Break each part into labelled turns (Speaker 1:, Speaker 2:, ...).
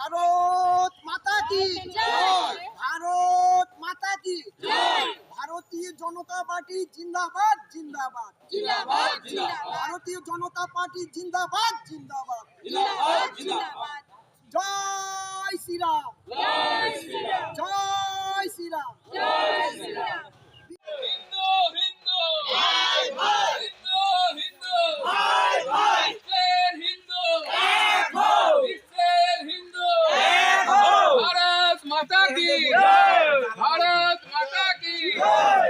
Speaker 1: ভারত মাতা কি জয়, ভারত মাতা কি জয়। ভারতীয় জনতা পার্টি জিন্দাবাদ জিন্দাবাদ
Speaker 2: জিন্দাবাদ জিন্দাবাদ
Speaker 1: ভারতীয় জনতা পার্টি জিন্দাবাদ জিন্দাবাদ
Speaker 2: জিন্দাবাদ জিন্দাবাদ
Speaker 1: জয় শ্রীরাম
Speaker 2: জয় শ্রীরাম
Speaker 1: জয় শ্রীরাম
Speaker 2: জয় শ্রীরাম
Speaker 3: হিন্দু হিন্দু
Speaker 2: ভাই ভাই
Speaker 3: হিন্দু হিন্দু
Speaker 2: ভাই ভাই
Speaker 3: বিশ্বের হিন্দু
Speaker 2: এক হও
Speaker 3: বিশ্বের হিন্দু
Speaker 2: এক হও
Speaker 3: ভারত মাতা কি
Speaker 2: জয়
Speaker 3: ভারত মাতা কি
Speaker 2: জয়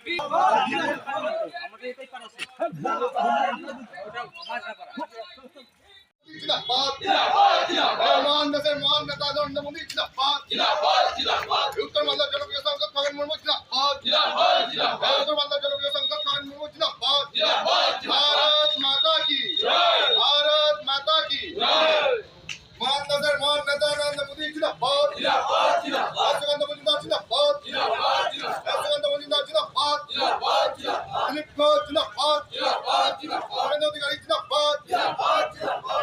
Speaker 4: जिंदाबाद
Speaker 3: জিন্দাবাদ জিন্দাবাদ
Speaker 4: महान देशेर महान नेता नरेंद्र मोदी जिंदाबाद
Speaker 3: জিন্দাবাদ জিন্দাবাদ
Speaker 4: उत्तर बांग्ला जनप्रिय सांसद खगन मुर्मू जिंदाबाद
Speaker 3: জিন্দাবাদ জিন্দাবাদ
Speaker 4: उत्तर बांग्ला जनप्रिय सांसद खगन मुर्मू जिंदाबाद
Speaker 3: जिंदाबाद
Speaker 4: भारत माता की
Speaker 3: जय
Speaker 4: भारत माता की
Speaker 3: जय
Speaker 4: महान देशेर महान नेता नरेंद्र मोदी जिंदाबाद
Speaker 3: जिंदाबाद जिंदाबाद
Speaker 4: सुगंध मुजुमदार जिंदाबाद
Speaker 3: जिंदाबाद जिंदाबाद
Speaker 4: सुगंध मुजुमदार जिंदाबाद
Speaker 3: जिंदाबाद जिंदाबाद
Speaker 4: दिलीप घोष जिंदाबाद
Speaker 3: जिंदाबाद जिंदाबाद
Speaker 4: अरविंद अधिकारी जिंदाबाद
Speaker 3: जिंदाबाद जिंदाबाद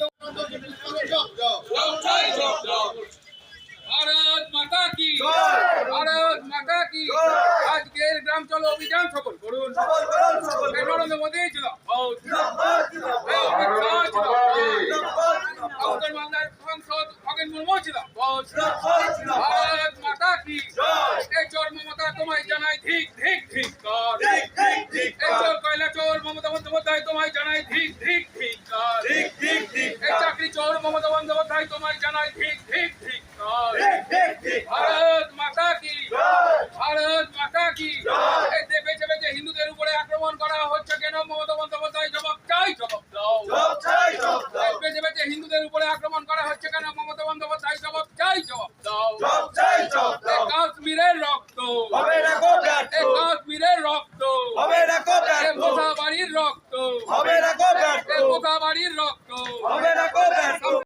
Speaker 3: জয় জয় জয় ভারত মাতা কি ভারত মাতা কি আজকের গ্রাম চলো অভিযান সফল করুন নরেন্দ্র মোদী উত্তর বাংলার সাংসদ খগেন মুর্মু ভারত মাতা কি এই চোর মমতা তোমায় জানাই ঠিক ঠিক ঠিক কর এই চোর কয়লা চোর মমতা বন্দ্যোপাধ্যায় তোমায় জানাই ঠিক ঠিক ঠিক কর এই চাকরি চোর মমতা বন্দ্যোপাধ্যায় তোমায় জানাই ঠিক ঠিক ঠিক কর ভারত মাতা কি ভারত মাতা কি এই যে বেঁচে বেঁচে হিন্দুদের উপরে আক্রমণ করা হচ্ছে কেন মমতা বন্দ্যোপাধ্যায় জবাব চাই জবাব দাও এই বেঁচে বেঁচে হিন্দুদের উপরে আক্রমণ করা হচ্ছে কেন মমতা বন্দ্যোপাধ্যায় জবাব চাই জবাব দাও এই কাশ্মীরের রক্ত এই কাশ্মীরের রক্ত এই মোথাবাড়ির রক্ত এই মোথাবাড়ির রক্ত